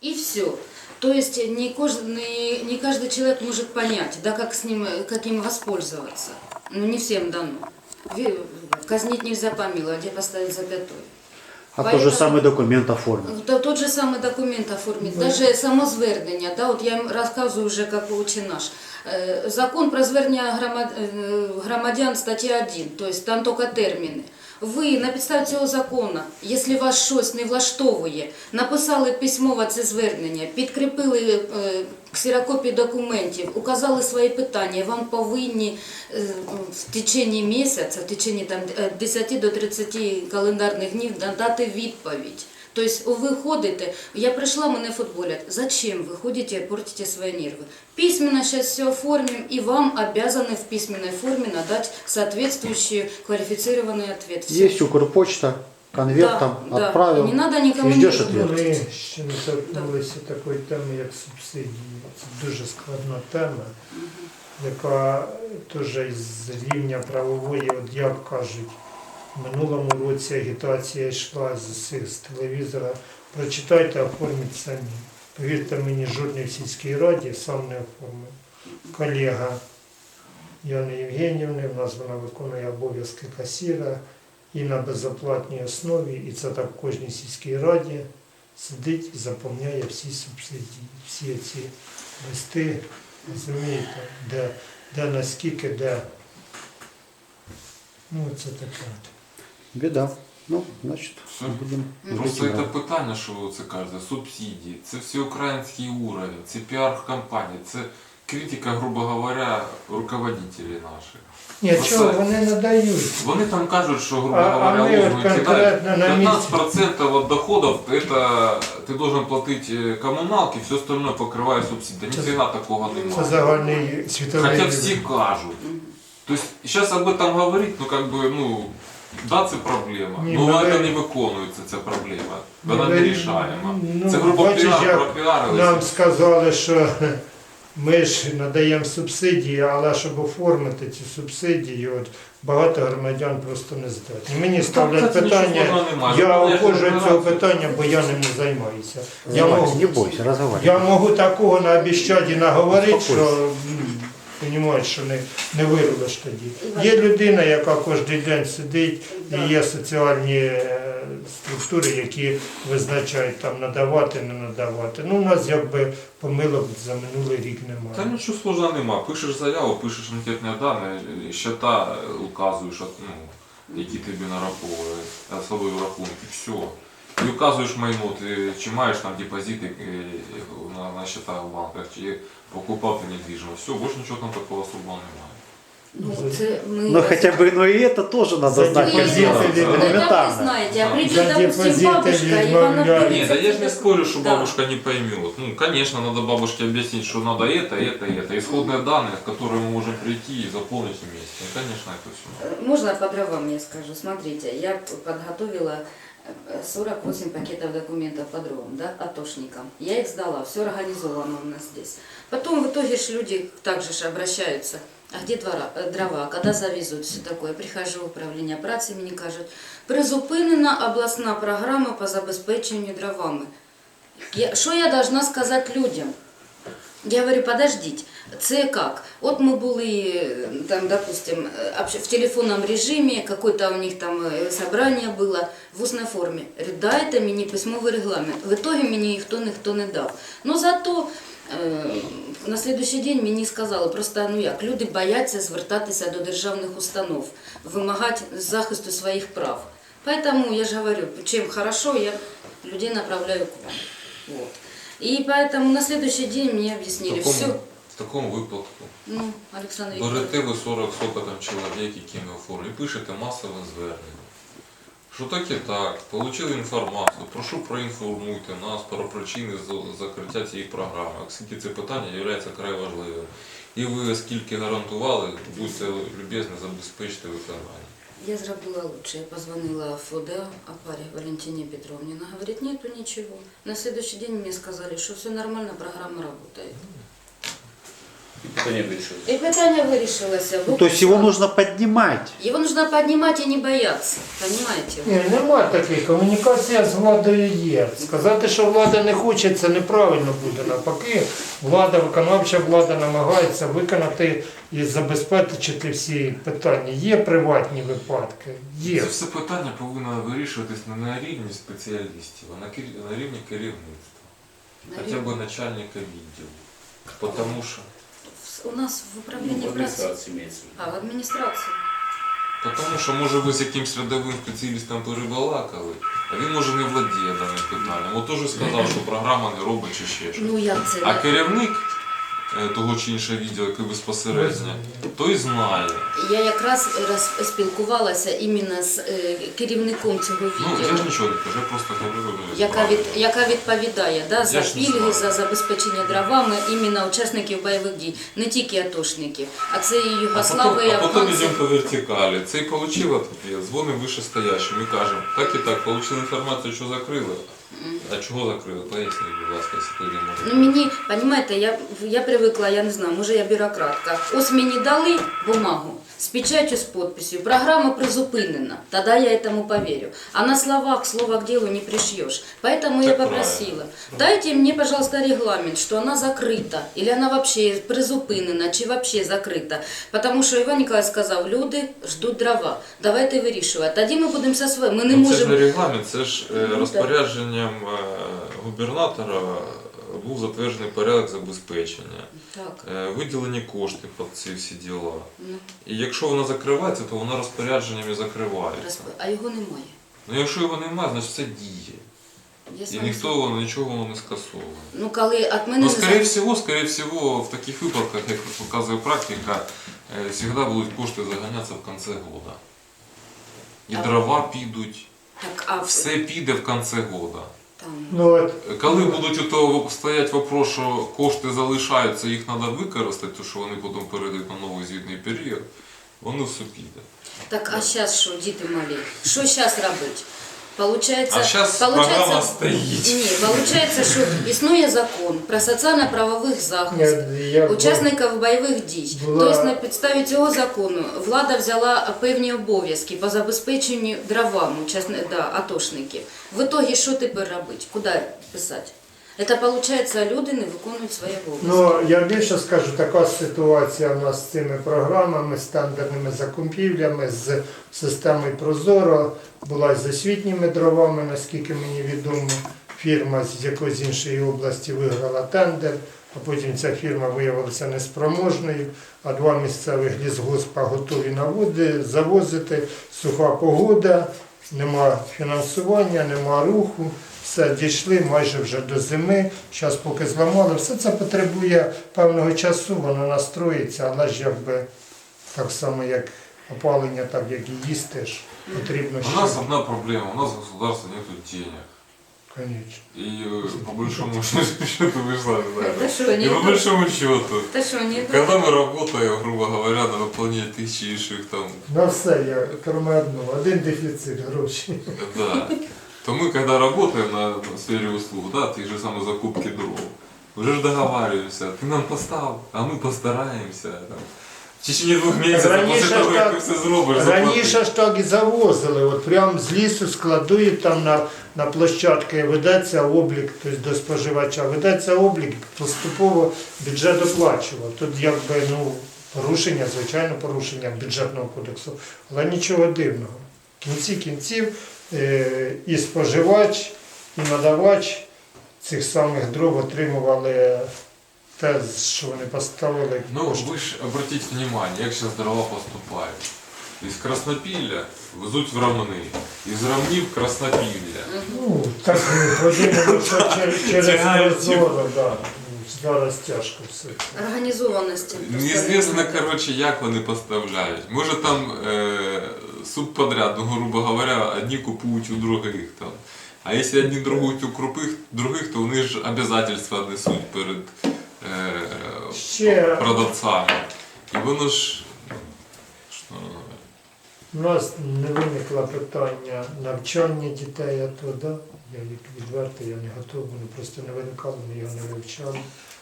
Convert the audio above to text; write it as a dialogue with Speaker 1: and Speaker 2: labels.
Speaker 1: И все. То есть не каждый человек может понять, да, как им воспользоваться. Ну, не всем дано. Казнить нельзя помиловать, где поставить запятой.
Speaker 2: А тот же самый документ оформить.
Speaker 1: Тот же самий документ оформити, навіть само звернення, да, от я їм розказую вже, як учить наш. Закон про звернення громадян, стаття 1, тобто там тільки терміни. Ви на підставі цього закону, якщо вас щось не влаштовує, написали письмово це звернення, підкріпили ксерокопії документів, указали свої питання, вам повинні в течение місяця, в течение там, 10 до 30 календарних днів надати відповідь. Тобто ви ходите, я прийшла, мене футболять. Зачем вы ходите и портите свои нервы? Письменно сейчас все оформим, и вам обязаны в письменной форме надать соответствующий квалифицированный ответ. Все.
Speaker 2: Есть Укрпочта, конверт там
Speaker 1: да.
Speaker 2: отправил,
Speaker 1: И не надо никому
Speaker 2: и ждешь
Speaker 1: не
Speaker 2: ответ.
Speaker 3: Ми ще не торкнулися такої теми, як субсидії. Це дуже складна тема, яка теж із рівня правової, от як кажуть, в минулому році агітація йшла з телевізора. Прочитайте, оформіть самі. Повірте мені, жодний в сільській раді сам не оформив. Колега Яни Євгенівни, в нас вона виконує обов'язки касіра і на безоплатній основі, і це так в кожній сільській раді сидить і заповняє всі субсидії, всі ці листи, розумієте, де наскільки, де. Ну, це таке.
Speaker 2: Беда. Ну, значит,
Speaker 4: Все.
Speaker 2: будем
Speaker 4: Просто
Speaker 2: жить,
Speaker 4: це
Speaker 2: да.
Speaker 4: питання, що ви це кажете, субсидії, це всеукраїнський уровень, це піар-кампанія, це критика, грубо говоря, руководителей наших.
Speaker 3: Ні,
Speaker 4: Просто
Speaker 3: чого, вони надають.
Speaker 4: Вони там кажуть, що, грубо
Speaker 3: А
Speaker 4: говоря,
Speaker 3: ми от
Speaker 4: лозунги кидають.
Speaker 3: конкретно на місці.
Speaker 4: 15% от доходов это ты должен платить коммуналки, все остальное покрывает субсидии. Ні хрена такого
Speaker 3: Це
Speaker 4: немає.
Speaker 3: загальний світовий
Speaker 4: Хотя
Speaker 3: рівень.
Speaker 4: все кажут. То есть сейчас об этом говорить, ну как бы, ну, да, це проблема.
Speaker 3: Ні,
Speaker 4: Ну,
Speaker 3: ну,
Speaker 4: це
Speaker 3: ви-
Speaker 4: не виконується, ця проблема.
Speaker 3: Ну,
Speaker 4: Вона
Speaker 3: ви-
Speaker 4: не рішаема.
Speaker 3: ну,
Speaker 4: Це грубо
Speaker 3: бачиш,
Speaker 4: піар,
Speaker 3: як
Speaker 4: пропіарилися.
Speaker 3: Нам сказали, що ми ж надаємо субсидії, але щоб оформити ці субсидії, от, багато громадян просто не здатні. Мені ставлять
Speaker 4: це нічого
Speaker 3: питання,
Speaker 4: складного немає.
Speaker 3: я
Speaker 4: Головне,
Speaker 3: обходжу
Speaker 4: що
Speaker 3: цього
Speaker 4: генерація-
Speaker 3: питання, бо я ним не займаюся. Я
Speaker 2: Занимайся,
Speaker 3: можу,
Speaker 2: не бойся, разговаривай.
Speaker 3: я можу такого наобіщати і наговорити,
Speaker 2: Успокойся.
Speaker 3: що розумієш, що не вирулиш тоді. Є людина, яка кожен день сидить, і є соціальні структури, які визначають там надавати, не надавати. Ну, у нас якби помилок за минулий рік
Speaker 4: Та
Speaker 3: немає.
Speaker 4: нічого сложного нема. Пишеш заяву, пишеш анкетні дані, счета указуєш, ну, які тобі нараховують, особливі рахунки, все. І указуєш майно, ти чи маєш там депозити на счетах в банках, чи покупав ти недвіжимость. Все, більше нічого там такого особливого немає.
Speaker 1: Ну, це ми
Speaker 2: Ну хотя бы, ну и это тоже надо
Speaker 3: За
Speaker 2: знать, как
Speaker 3: депозиты
Speaker 2: сделать.
Speaker 3: или-
Speaker 1: Ну, так вы
Speaker 2: Элементарно.
Speaker 1: знаете, а придет,
Speaker 3: За
Speaker 1: допустим,
Speaker 3: депозиты
Speaker 1: бабушка, и вам
Speaker 3: відмовляють.
Speaker 1: объявит
Speaker 4: Нет, да я же не
Speaker 1: это-
Speaker 4: спорю, что
Speaker 1: Да.
Speaker 4: бабушка не поймет. Ну, конечно, надо бабушке объяснить, что надо это. Исходные данные, которые мы можем прийти и заполнить вместе. Ну, конечно, это все.
Speaker 1: Можно по дровам я скажу? Смотрите, я подготовила 48 пакетов документов по дровам, да, атошникам. Я их сдала, все организовано у нас здесь. Потом в итоге ж люди также ж обращаются, а где дрова, когда завезут, все такое. Прихожу в управління праці, мені кажуть, призупинена обласна програма по забезпеченню дровами. Що я должна сказати людям? Я говорю, подождите, це как? Вот мы были, там, допустим, в телефонном режиме, какое-то у них там собрание было в устной форме. Говорю, дайте мені письмовий регламент. В итоге мені ніхто не дав. Но зато на следующий день мені сказали, просто ну як, люди бояться звертатися до державних установ, вимагати захисту своїх прав. Поэтому я же говорю, чем хорошо, я людей направляю к вам. Вот. И поэтому на следующий день мне объяснили все.
Speaker 4: В такому випадку
Speaker 1: Ну, Олександр Вікторович.
Speaker 4: берете ви 40 соток там чоловік, які ми оформили, і пишете масове звернення. Що так і так, отримали інформацію, прошу проінформуйте нас про причини закриття цієї програми, оскільки це питання є вкрай важливим. І ви, оскільки гарантували, будьте любезні забезпечити виконання.
Speaker 1: Я зробила лучше. Я позвонила в ФОДА Апаре Валентине Петровне. Она говорит, нету ничего. На следующий день мне сказали, что все нормально, программа работает.
Speaker 5: Питання вирішили.
Speaker 1: И питание вирішилося.
Speaker 2: Ну, то есть его нужно поднимать.
Speaker 1: Его нужно поднимать и не бояться, понимаете?
Speaker 3: Ні, нема такої. Комунікація з владою є. Сказати, що влада не хоче, це неправильно буде. Навпаки, влада, виконавча влада намагається виконати і забезпечити всі питання. Є приватні випадки? Є.
Speaker 4: Це все питання повинно вирішуватись не на рівні спеціалістів, а на рівні керівництва. Хоча б начальника відділу. Потому що
Speaker 1: У нас в управлении
Speaker 5: Ну, в
Speaker 1: праці.
Speaker 5: адміністрації мається.
Speaker 1: А, в адміністрації.
Speaker 4: Потому що, може, ви з якимсь рядовим спеціалістом перебалакали, а він, може, не владіє даним питанням. От теж сказав, що програма не робить чи ще щось.
Speaker 1: Ну як це?
Speaker 4: А керівник того чи іншого відділу, який безпосередньо, той знає.
Speaker 1: Я якраз спілкувалася іменно з керівником цього
Speaker 4: Ну, я
Speaker 1: відділу,
Speaker 4: ж нічого не кажу, я просто говорю.
Speaker 1: яка відповідає за
Speaker 4: Я ж не
Speaker 1: пільги,
Speaker 4: знаю.
Speaker 1: за забезпечення дровами іменно учасників бойових дій, не тільки атошників, а це і Югослави, і
Speaker 4: А потім
Speaker 1: афганці.
Speaker 4: йдемо по вертикалі. Цей отримав ответ, дзвонимо вищестоящим і кажемо, так і так, отримали інформацію, що закрили. А чого закрили? Поясніть, будь ласка, якщо тоді
Speaker 1: Ну
Speaker 4: може.
Speaker 1: мені, розумієте, я привикла, я не знаю, може я бюрократка. Ось мені дали бумагу з печатью, з підписью, програма призупинена, тогда я этому поверю. А на словах, слово к делу не пришьешь. Поэтому я
Speaker 4: Так
Speaker 1: попросила,
Speaker 4: правильно.
Speaker 1: дайте мне, пожалуйста, регламент, что она закрыта, или она вообще призупинена, чи вообще закрита. Потому що Іван Ніколаєвич сказав, люди ждуть дрова, давайте вирішувати. Тоді ми будемо все своє, ми не
Speaker 4: Ну, це ж не
Speaker 1: можемо...
Speaker 4: регламент, це ж розпорядженням губернатора був затверджений порядок забезпечення.
Speaker 1: Так,
Speaker 4: Виділені кошти під ці всі діла.
Speaker 1: ну,
Speaker 4: І якщо вона закривається, то вона розпорядженням і закривається.
Speaker 1: а його немає.
Speaker 4: Ну якщо його немає, значить це діє.
Speaker 1: Я з
Speaker 4: І
Speaker 1: вами
Speaker 4: ніхто нічого воно не скасовує.
Speaker 1: Ну, коли от мене
Speaker 4: Ну,
Speaker 1: не
Speaker 4: скорее всего, в таких випадках, як показує практика, завжди будуть кошти заганятися в кінці года. І
Speaker 1: А-
Speaker 4: дрова підуть,
Speaker 1: Так, а
Speaker 4: все піде в кінці года.
Speaker 1: там...
Speaker 3: Ну, от,
Speaker 4: Коли будуть у того стоять вопрос, що кошти залишаються, їх треба використати, то що вони потім перейдуть на новий звітний період, воно все піде.
Speaker 1: Так, а зараз що, діти малі? Що зараз робити? Получається,
Speaker 4: А зараз програма стоїть.
Speaker 1: Ні, получається, що існує закон про соціально-правових захист
Speaker 3: я
Speaker 1: учасників бойових дій.
Speaker 3: Була-
Speaker 1: Тобто на підставі цього закону влада взяла певні обов'язки по забезпеченню дровами атошників. В итоге що тепер робити? Куди писати? Це виходить, люди не виконують свої обов'язки.
Speaker 3: Ну, я більше скажу, така ситуація у нас з цими програмами, стандартними закупівлями, з системою Прозоро, була з освітніми дровами, наскільки мені відомо. Фірма з якоїсь іншої області виграла тендер, а потім ця фірма виявилася неспроможною, а два місцевих лісгоспа готові завозити, суха погода, нема фінансування, нема руху. Все, дійшли майже вже до зими, зараз поки зламали. Все це потребує певного часу, воно настроїться, але ж якби так само, як опалення, так як і їсти ж, потрібно
Speaker 4: У нас
Speaker 3: ще.
Speaker 4: одна проблема, у нас в государстве нету денег.
Speaker 3: Конечно.
Speaker 4: И по большому счету вы же сами
Speaker 1: Та
Speaker 4: знаете.
Speaker 1: що,
Speaker 4: И
Speaker 1: ні?
Speaker 4: по большому счету,
Speaker 1: Та що, ні?
Speaker 4: когда мы работаем, грубо говоря, на выполнение тысячи інших там,
Speaker 3: На все є, крім одного, один дефіцит грошей.
Speaker 4: да, то мы когда работаем на сфере услуг, да, те же самые закупки дров, уже ж договариваемся, ты нам постав, а мы постараемся. Там. В течение 2 місяців,
Speaker 3: Раніше
Speaker 4: після того,
Speaker 3: ж
Speaker 4: як
Speaker 3: так-
Speaker 4: ти все зробиш,
Speaker 3: Раніше ж так і завозили, от прямо з лісу складують там на площадки, ведеться облік, тобто до споживача, ведеться облік, поступово бюджет оплачував. Тут якби порушення, звичайно порушення бюджетного кодексу, але нічого дивного. В кінці кінців і споживач, і надавач цих самих дров отримували те, що вони поставили.
Speaker 4: Ну, вы ж обратите внимание, як сейчас дрова поступають. Із Краснопілля везуть в Ромни, із Ромнів в Краснопілля.
Speaker 3: Ну, так ходимо через
Speaker 4: Тягають
Speaker 3: Прозоро, да. Зараз тяжко все.
Speaker 1: Організованості.
Speaker 4: Неізвісно, коротше, як вони поставляють. Може там субподряд, ну, грубо говоря, одні купують у других там. А якщо одні торгують у других, то вони ж обов'язательства несуть перед
Speaker 3: Ще
Speaker 4: продавцами. І воно ж... Що?
Speaker 3: у нас не виникло питання навчання дітей, а то, да, я відверто, я не готовий, вони просто не виникали, ми його не вивчали.